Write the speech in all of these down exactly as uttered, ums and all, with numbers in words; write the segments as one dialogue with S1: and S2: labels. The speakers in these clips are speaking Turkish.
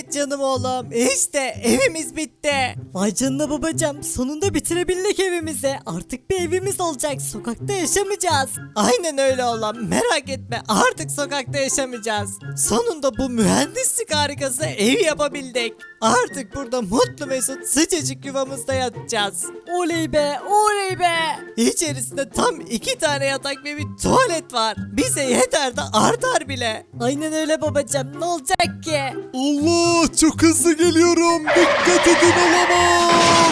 S1: Evet canım oğlum, işte evimiz bitti.
S2: Vay canına babacım, sonunda bitirebildik evimizi. Artık bir evimiz olacak, sokakta yaşamayacağız.
S1: Aynen öyle oğlum, merak etme, artık sokakta yaşamayacağız. Sonunda bu mühendislik harikası evi yapabildik. Artık burada mutlu mesut sıcacık yuvamızda yatacağız.
S2: Oley be, oley be.
S1: İçerisinde tam iki tane yatak ve bir tuvalet var. Bize yeter de artar bile.
S2: Aynen öyle babacım, ne olacak ki?
S3: Allah, çok hızlı geliyorum. Dikkat edin, olamaz.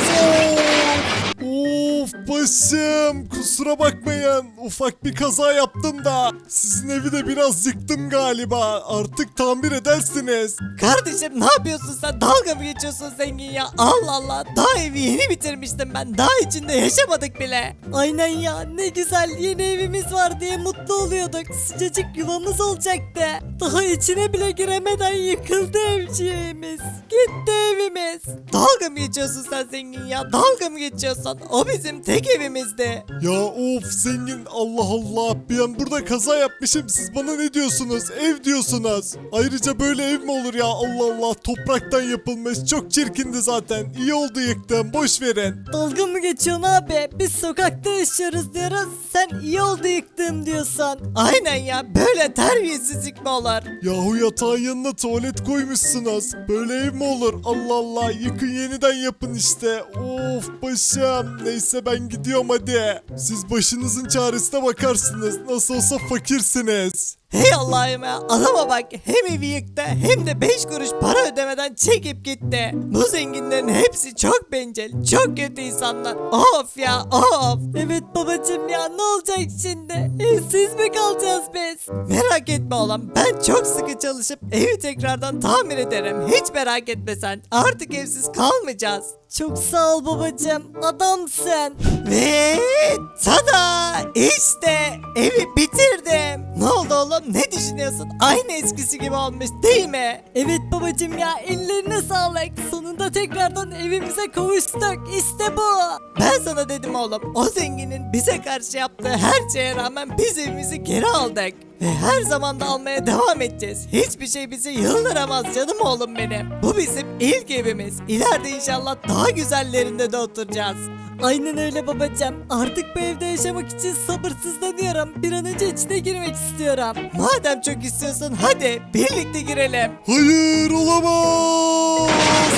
S3: Of başım, kusura bakmayın, ufak bir kaza yaptım da sizin evi de biraz yıktım galiba, artık tamir edersiniz.
S1: Kardeşim ne yapıyorsun sen? Dalga mı geçiyorsun zengin ya? Allah Allah, daha evi yeni bitirmiştim ben. Daha içinde yaşamadık bile.
S2: Aynen ya, ne güzel yeni evimiz var diye mutlu oluyorduk. Sıcacık yuvamız olacaktı. Daha içine bile giremeden yıkıldı evciğimiz. Gitti evimiz.
S1: Dalga mı geçiyorsun sen zengin ya? Dalga mı geçiyorsun? O bizim tek evimizdi.
S3: Ya of zengin, Allah Allah, ben burada kaza yapmışım, siz bana ne diyorsunuz, ev diyorsunuz. Ayrıca böyle ev mi olur ya, Allah Allah, topraktan yapılmış, çok çirkindi zaten, iyi oldu yıktım, boş verin.
S2: Dalga mı geçiyorsun abi? Biz sokakta yaşıyoruz diyoruz. Sen iyi oldu yıktığım diyorsun.
S1: Aynen ya, böyle terbiyesizlik mi olur?
S3: Yahu yatağın yanına tuvalet koymuşsunuz, böyle ev mi olur, Allah Allah, yıkın yeniden yapın işte. Of başım, neyse ben gidiyorum hadi. Siz başınızın çaresine bakarsınız, nasıl olsa fakirsiniz.
S1: Hey Allah'ım ya, adama bak, hem evi yıktı hem de beş kuruş para ödemeden çekip gitti. Bu zenginlerin hepsi çok bencil, çok kötü insanlar. Of ya, of.
S2: Evet babacım ya, ne olacak şimdi? Evsiz mi kalacağız biz?
S1: Merak etme oğlum, ben çok sıkı çalışıp evi tekrardan tamir ederim. Hiç merak etme sen, artık evsiz kalmayacağız.
S2: Çok sağ ol babacım, adamsın.
S1: Ve tada, işte evi bitirdim. Ne oldu oğlum, ne düşünüyorsun? Aynı eskisi gibi olmuş değil mi?
S2: Evet babacım ya, ellerine sağlık. Sonunda tekrardan evimize kavuştuk. İşte bu.
S1: Ben sana dedim oğlum, o zenginin bize karşı yaptığı her şeye rağmen biz evimizi geri aldık. Ve her zaman da almaya devam edeceğiz. Hiçbir şey bizi yıldıramaz canım oğlum benim. Bu bizim ilk evimiz. İleride inşallah daha güzellerinde de oturacağız.
S2: Aynen öyle babacım. Artık bu evde yaşamak için sabırsızlanıyorum. Bir an önce içine girmek istiyorum.
S1: Madem çok istiyorsun, hadi birlikte girelim.
S3: Hayır, olamaz.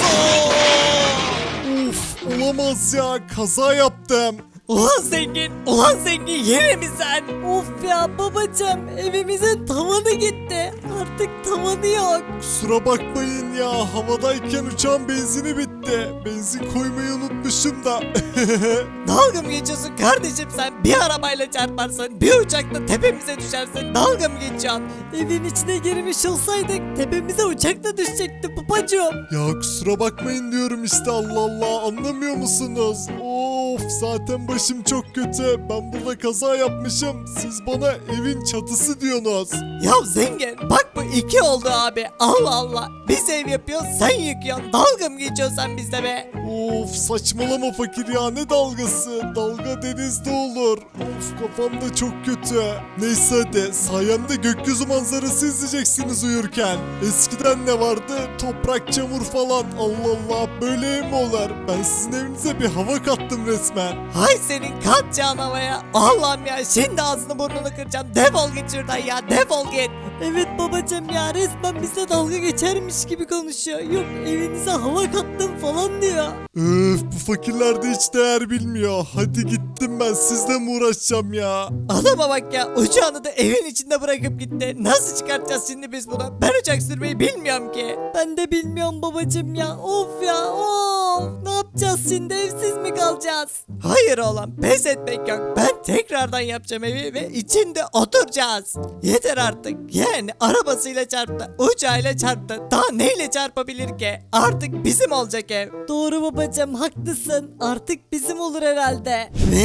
S3: Of, olamaz ya, kaza yaptım.
S1: Ulan zengin, ulan zengin, yine mi sen?
S2: Of ya babacım, evimizin tavanı gitti. Artık tavanı yok.
S3: Kusura bakmayın ya, havadayken uçağın benzini bitti. Benzin koymayı unutmuşum da.
S1: Dalga mı geçiyorsun kardeşim sen? Bir arabayla çarparsın, bir uçakla tepemize düşersin. Dalga mı geçiyorsun?
S2: Evin içine girmiş olsaydık tepemize uçakla düşecekti babacım.
S3: Ya kusura bakmayın diyorum işte, Allah Allah, anlamıyor musunuz? Of, zaten başım çok kötü. Ben burada kaza yapmışım. Siz bana evin çatısı diyorsunuz.
S1: Ya zengin, bak bu iki oldu abi. Allah Allah. Biz ev yapıyoruz, sen yıkıyorsun. Dalga mı geçiyorsun sen bizle be?
S3: Of, saçmalama fakir ya, ne dalgası? Dalga denizde olur. Of, kafam da çok kötü. Neyse hadi, sayemde gökyüzü manzarası izleyeceksiniz uyurken. Eskiden ne vardı? Toprak, çamur falan. Allah Allah, böyle ev mi olur? Ben sizin evinize bir hava kattım resmen.
S1: Hay senin katacağın havaya. Allah'ım ya, şimdi ağzını burnunu kıracağım. Defol git şuradan ya, defol git.
S2: Evet babacım ya, resmen bize dalga geçermiş gibi konuşuyor. Yok evinize hava kattım falan diyor.
S3: Öf, bu fakirler de hiç değer bilmiyor. Hadi gittim ben, sizle mi uğraşacağım ya?
S1: Adama bak ya, uçağını da evin içinde bırakıp gitti. Nasıl çıkartacağız şimdi biz bunu? Ben uçak sürmeyi bilmiyorum ki.
S2: Ben de bilmiyorum babacım ya. Of ya, of. Ne yapacağız şimdi, evsiz mi kalacağız?
S1: Hayır oğlum, pes etmek yok. Ben tekrardan yapacağım evi ve içinde oturacağız. Yeter artık. Yani arabasıyla çarptı, uçağıyla çarptı. Daha neyle çarpabilir ki? Artık bizim olacak ev.
S2: Doğru babacım, haklısın. Artık bizim olur herhalde.
S1: Ve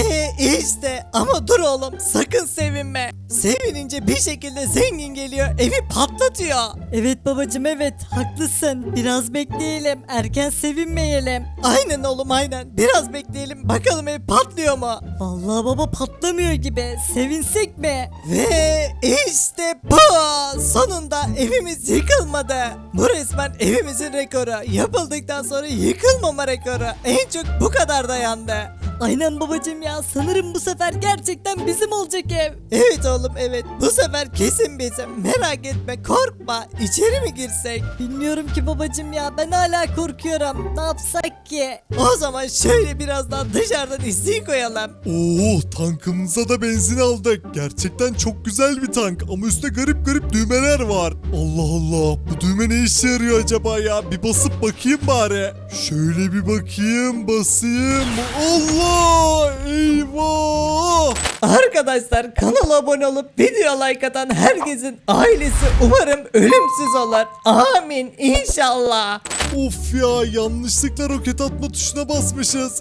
S1: Ve işte ama dur oğlum sakın sevinme. Sevinince bir şekilde zengin geliyor evi patlatıyor.
S2: Evet babacım evet haklısın. Biraz bekleyelim. Erken sevinmeyelim.
S1: Aynen oğlum aynen. Biraz bekleyelim bakalım ev patlıyor mu?
S2: Vallahi baba patlamıyor gibi. Sevinsek mi?
S1: Ve işte bu. Sonunda evimiz yıkılmadı. Bu resmen evimizin rekoru. Yapıldıktan sonra yıkılmama rekoru. En çok bu kadar dayandı.
S2: Aynen babacım ya. Sanırım bu sefer gerçekten bizim olacak ev.
S1: Evet oğlum evet. Bu sefer kesin bizim. Merak etme korkma. İçeri mi girsek?
S2: Bilmiyorum ki babacım ya. Ben hala korkuyorum. Ne yapsak ki?
S1: O zaman şöyle biraz daha dışarıdan izleyi koyalım.
S3: Oo, tankımıza da benzin aldık. Gerçekten çok güzel bir tank ama üstte garip garip düğmeler var. Allah Allah, bu düğme ne işe yarıyor acaba ya? Bir basıp bakayım bari. Şöyle bir bakayım, basayım. Allah! Eyvah!
S1: Arkadaşlar kanala abone olup video like atan herkesin ailesi umarım ölümsüz olur. Amin inşallah.
S3: Of ya, yanlışlıkla roket atma tuşuna basmışız.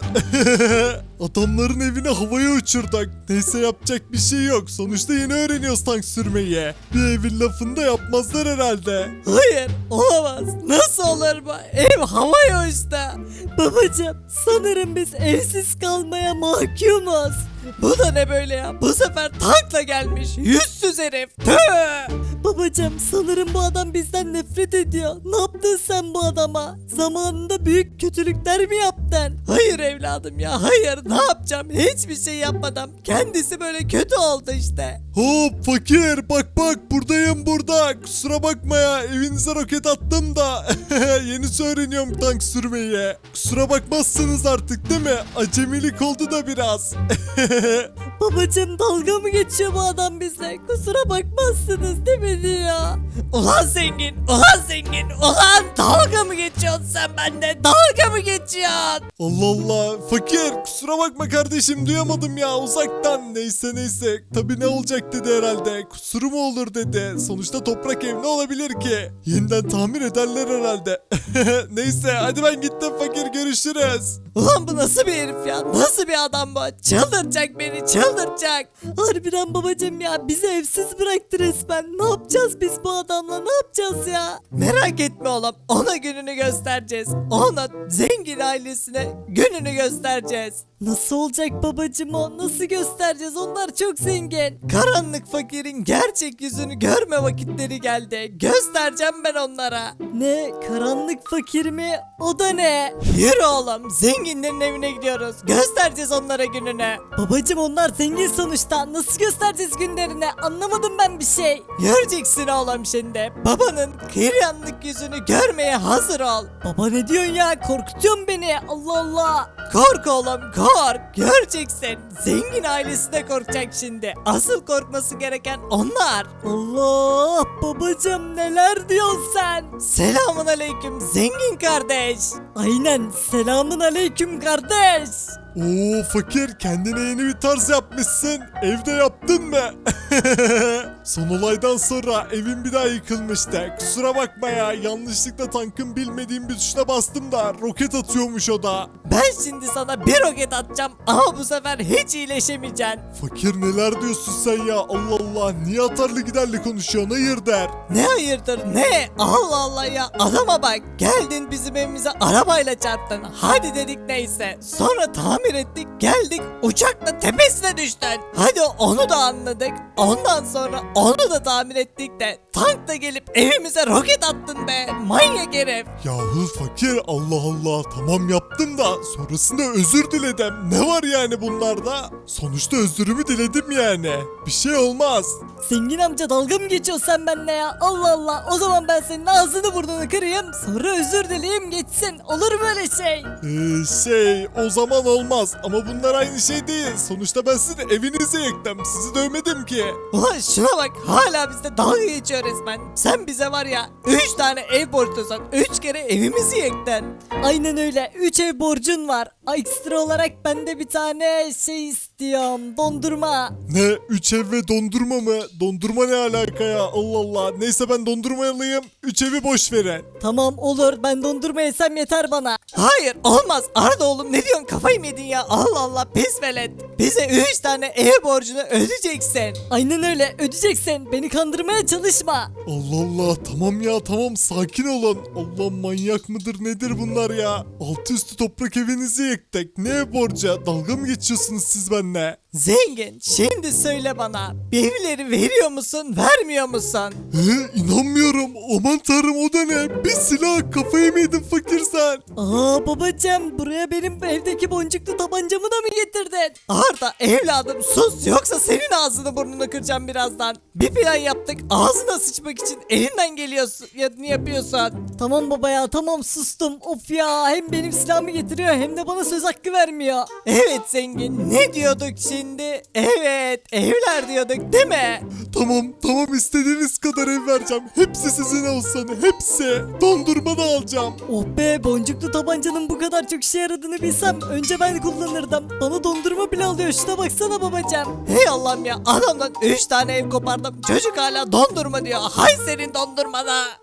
S3: Adamların evini havaya uçurduk. Neyse yapacak bir şey yok. Sonuçta yeni öğreniyoruz tank sürmeyi. Bir evin lafını da yapmazlar herhalde.
S1: Hayır olamaz. Nasıl olur bu? Ev havaya uçtu.
S2: Babacım sanırım biz evsiz kalmaya mahkumuz.
S1: Bu da ne böyle ya? Bu sefer tankla gelmiş. Yüzsüz herif. Tüh!
S2: Babacım sanırım bu adam bizden nefret ediyor. Ne yaptın sen bu adama? Zamanında büyük kötülükler mi yaptın?
S1: Hayır evladım ya hayır ne yapacağım hiçbir şey yapmadım kendisi böyle kötü oldu işte.
S3: Hop fakir, bak bak buradayım burada. Kusura bakma ya, evinize roket attım da. Yeni öğreniyorum tank sürmeyi. Kusura bakmazsınız artık değil mi? Acemilik oldu da biraz.
S2: Babacım dalga mı geçiyor bu adam bize? Kusura bakmazsınız değil mi diyor.
S1: Ulan zengin ulan zengin ulan dalga mı geçiyorsun sen bende dalga mı geçiyorsun?
S3: Allah Allah, fakir kusura bakma kardeşim, duyamadım ya uzaktan. Neyse neyse, tabi ne olacak dedi herhalde. Kusuru mu olur dedi. Sonuçta toprak ev ne olabilir ki? Yeniden tamir ederler herhalde. Neyse hadi ben gittim fakir, görüşürüz.
S1: Ulan bu nasıl bir herif ya nasıl bir adam bu çıldıracak beni çıldıracak.
S2: Harbiden babacım ya bizi evsiz bıraktı resmen. Ne yapacağız biz bu adamla ne yapacağız ya?
S1: Merak etme oğlum ona gününü göstereceğiz ona zengin ailesine gününü göstereceğiz.
S2: Nasıl olacak babacım o? Nasıl göstereceğiz? Onlar çok zengin.
S1: Karanlık fakirin gerçek yüzünü görme vakitleri geldi. Göstereceğim ben onlara.
S2: Ne? Karanlık fakir mi? O da ne?
S1: Yürü oğlum zenginlerin evine gidiyoruz. Göstereceğiz onlara gününü.
S2: Babacım onlar zengin sonuçta. Nasıl göstereceğiz günlerini? Anlamadım ben bir şey.
S1: Göreceksin oğlum şimdi. Babanın karanlık yüzünü görmeye hazır ol.
S2: Baba ne diyorsun ya? Korkutuyorsun beni. Allah Allah.
S1: Kork oğlum kork. Göreceksin. Zengin ailesi de korkacak şimdi. Asıl korkması gereken onlar.
S2: Allah babacım neler diyorsun sen?
S1: Selamun aleyküm zengin kardeş.
S2: Aynen selamun aleyküm kardeş.
S3: Oo fakir, kendine yeni bir tarz yapmışsın. Evde yaptın mı? Son olaydan sonra evin bir daha yıkılmıştı. Kusura bakma ya, yanlışlıkla tankın bilmediğim bir tuşuna bastım da roket atıyormuş o da.
S1: Ben şimdi sana bir roket atacağım ama bu sefer hiç iyileşemeyeceksin.
S3: Fakir neler diyorsun sen ya, Allah Allah, niye atarlı giderli konuşuyorsun, hayır der.
S1: Ne hayırdır ne? Allah Allah ya adama bak. Geldin bizim evimize arabayla çarptın. Hadi dedik neyse. Sonra tamir ettik geldik uçakla tepesine düştün. Hadi onu da anladık. Ondan sonra onu da tamir ettik de tankla gelip evimize roket attın be. Manyak herif.
S3: Yahu fakir, Allah Allah, tamam yaptım da sonrasında özür diledim. Ne var yani bunlarda? Sonuçta özürümü diledim yani. Bir şey olmaz.
S2: Zengin amca dalga mı geçiyorsun sen benimle ya? Allah Allah. O zaman ben senin ağzını burnunu kırayım. Sonra özür dileyeyim geçsin. Olur mu öyle şey?
S3: Ee, şey o zaman olmaz ama bunlar aynı şey değil. Sonuçta ben sizin evinizi yıktım. Sizi dövmedim ki.
S1: Ulan şuna bak hala bizde dalga geçiyor resmen. Sen bize var ya üç tane ev borçlusun. üç kere evimizi yıktın.
S2: Aynen öyle. üç ev borcun var. Ekstra olarak ben de bir tane şey istiyorum. istiyorum. Dondurma.
S3: Ne? Üç ev ve dondurma mı? Dondurma ne alaka ya? Allah Allah. Neyse ben dondurma alayım. Üç evi boş verin.
S2: Tamam olur ben dondurma yesem yeter bana.
S1: Hayır olmaz Arda oğlum ne diyorsun kafayı mı yedin ya Allah Allah pis velet. Bize üç tane ev borcunu ödeyeceksin.
S2: Aynen öyle ödeyeceksin. Beni kandırmaya çalışma.
S3: Allah Allah. Tamam ya tamam. Sakin olun. Allah manyak mıdır nedir bunlar ya? Altı üstü toprak evinizi yıktık. Ne ev borcu? Dalga mı geçiyorsunuz siz benimle?
S1: Zengin şimdi söyle bana evleri veriyor musun vermiyor musun?
S3: He, inanmıyorum. Aman tanrım o da ne? Bir silah kafayı mı yedin fakir sen?
S2: Aa babacığım buraya benim evdeki boncuklu tabancamı da mı getirdin?
S1: Arda evladım sus yoksa senin ağzını burnunu kıracağım birazdan. Bir plan yaptık ağzına sıçmak için elinden geliyorsun ya ne yapıyorsun?
S2: Tamam baba ya tamam sustum. Of ya hem benim silahımı getiriyor hem de bana söz hakkı vermiyor.
S1: Evet zengin ne diyorduk şimdi? Evet evler diyorduk değil mi?
S3: Tamam tamam istediğiniz kadar ev vereceğim. Hepsi sizin olsun hepsi. Dondurma da alacağım.
S2: Oh be boncuklu tabancanın bu kadar çok işe yaradığını bilsem önce ben kullanırdım. Bana dondurma bile alıyor şuna baksana babacığım.
S1: Hey Allah'ım ya adamdan üç tane ev kopardım çocuk hala dondurma diyor hay senin dondurmana.